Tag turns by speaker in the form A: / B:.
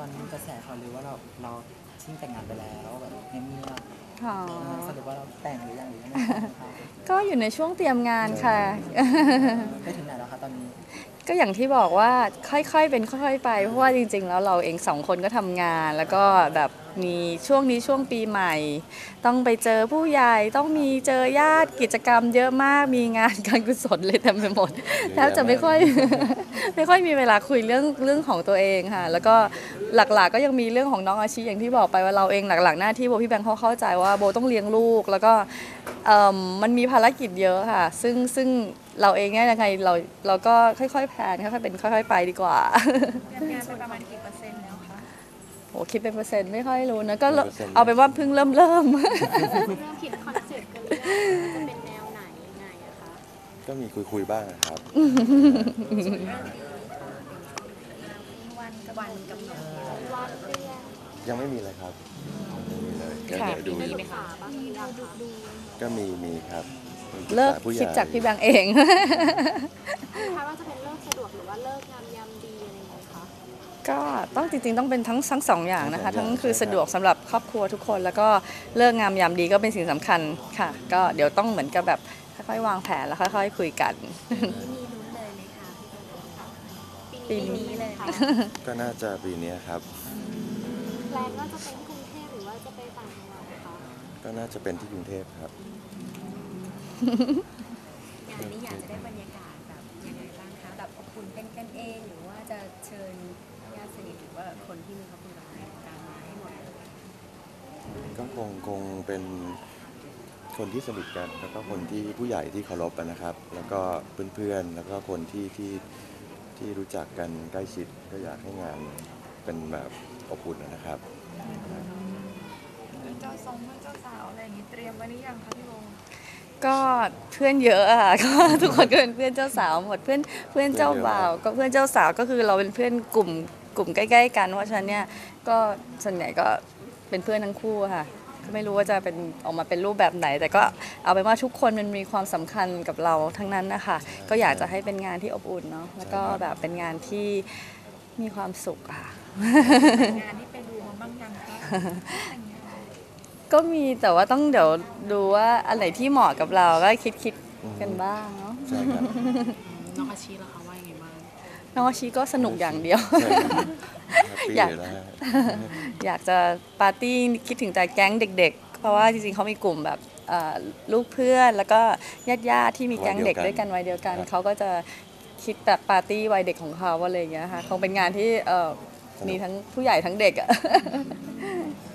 A: อนนี้มีกระแสข่าวลือว่าเราชิ่งแต่งงานไปแล้วแบบเงียบๆสรุปว่าเราแต่งหรือยังไม่แต่งครับ
B: ก็อยู่ในช่วงเตรียมงานค่ะ
A: ไปถึงไหนแล้วคะตอนนี้
B: ก็อย่างที่บอกว่าค่อยๆเป็นค่อยๆไปเพราะว่าจริงๆแล้วเราเอง2 คนก็ทำงานแล้วก็แบบมีช่วงนี้ช่วงปีใหม่ต้องไปเจอผู้ใหญ่ต้องมีเจอญาติกิจกรรมเยอะมากมีงานการกุศลเลยเต็มไปหมดแทบจะไม่ค่อยไม่ค่อยมีเวลาคุยเรื่องของตัวเองค่ะแล้วก็หลักๆก็ยังมีเรื่องของน้องอาชีอย่างที่บอกไปว่าเราเองหลักๆหน้าที่โบพี่แบงค์เขาเข้าใจว่าโบต้องเลี้ยงลูกแล้วก็มันมีภารกิจเยอะค่ะซึ่งเราเองเนี่ยยังไงเราก็ค่อยๆแพลนค่อยๆเป็นค่อยๆไปดีกว่า
C: งานไปประมาณกี่เปอร์เซ็นต์แล้วคะ
B: โหคิดเป็นเปอร์เซ็นต์ไม่ค่อยรู้นะก็เอาเป็นว่าเพิ่งเริ่ม
C: เริ่มคิดคอนเซ็ปต์กันหรือยังจะเป็นแนวไหนยังไงอะคะ
D: ก็มีคุยบ้างนะครับ
C: วันกำหนดวันเดือน
D: ยังไม่มีเลยครับไม่มีเลยก็
B: ค่ะ
D: เดี๋ยวดูอยู่
C: ศึกษาบ้างหรือยังคะดู
D: ก็มีครับ
B: เลิก
D: ผู้ใหญ่
B: คิดจากพี่แบงค์เอง
C: คาดว่าจะเป็นเลิกสะดวกหรือว่าเลิกงามยามดีอะไรอย่างเงี้ยคะ
B: ก็ต้องจริงๆต้องเป็นทั้งสองอย่างนะคะทั้งคือสะดวกสำหรับครอบครัวทุกคนแล้วก็เลิกงามยามดีก็เป็นสิ่งสำคัญค่ะก็เดี๋ยวต้องเหมือนกับแบบค่อยๆวางแผนแล้วค่อยๆคุยกัน
C: มีลุ้นเลยไหมคะปีนี้เลยค่ะ
D: ก็น่าจะปีนี้ครับ
C: แพลนว่าจะเป็นกรุงเทพหรือว่าจะไปต่างจังหวัดคะ
D: ก็น่าจะเป็นที่กรุงเทพครับ
E: งานนี้อยากจะได้บรรยากาศแบบยังไงบ้างคะแบบอบอุ่นเป็นกันเองหรือว่าจะเชิญญาติสนิทหรือว่าคนที่มีครอบครัวในวงการมาให้หมดเลย
D: ก็คงเป็นคนที่สนิทกันแล้วก็คนที่ผู้ใหญ่ที่เคารพกันนะครับ แล้วก็เพื่อนๆแล้วก็คนที่รู้จักกันใกล้ชิดก็อยากให้งานเป็นแบบอบอุ่นนะครับ
F: เจ้าทรงเจ้าสาวอะไรอย่างนี้เตรียมไว้หรือยังคะพี่โบ
B: ก็เพื่อนเยอะอะค่ะ ก็ทุกคนก็เป็นเพื่อนเจ้าสาวหมดเพื่อนเจ้าบ่าวก็เพื่อนเจ้าสาวก็คือเราเป็นเพื่อนกลุ่มใกล้ๆกันเพราะฉะนั้นเนี่ยก็ส่วนใหญ่ก็เป็นเพื่อนทั้งคู่ค่ะก็ไม่รู้ว่าจะเป็นออกมาเป็นรูปแบบไหน แต่ก็เอาเป็นว่าทุกคนมันมีความสำคัญกับเราทั้งนั้นนะคะก็อยากจะให้เป็นงานที่อบอุ่นเนาะแล้วก็แบบเป็นงานที่มีความสุขค่ะ
F: งานที่ไปดูมาบ้างยังคะแต่งงาน
B: ก็มีแต่ว่าต้องเดี๋ยวดูว่าอันไหนที่เหมาะกับเราก็คิดกันบ้างเนาะ
D: ใช่ครับ
F: น้องอาชีล่ะคะว่ายังไงบ้าง
B: น้องอาชีก็สนุกอย่างเดียว
D: ใช่ครับแฮปปี้อยู่แล้วฮะ
B: อยากจะปาร์ตี้คิดถึงแต่แก๊งเด็กๆ เพราะว่าจริงๆเขามีกลุ่มแบบลูกเพื่อนแล้วก็ญาติๆที่มีแก๊งเด็กด้วยกันวัยเดียวกันเขาก็จะคิดแบบปาร์ตี้วัยเด็กของเขาอะไรอย่างเงี้ยค่ะคงเป็นงานที่มีทั้งผู้ใหญ่ทั้งเด็กอะ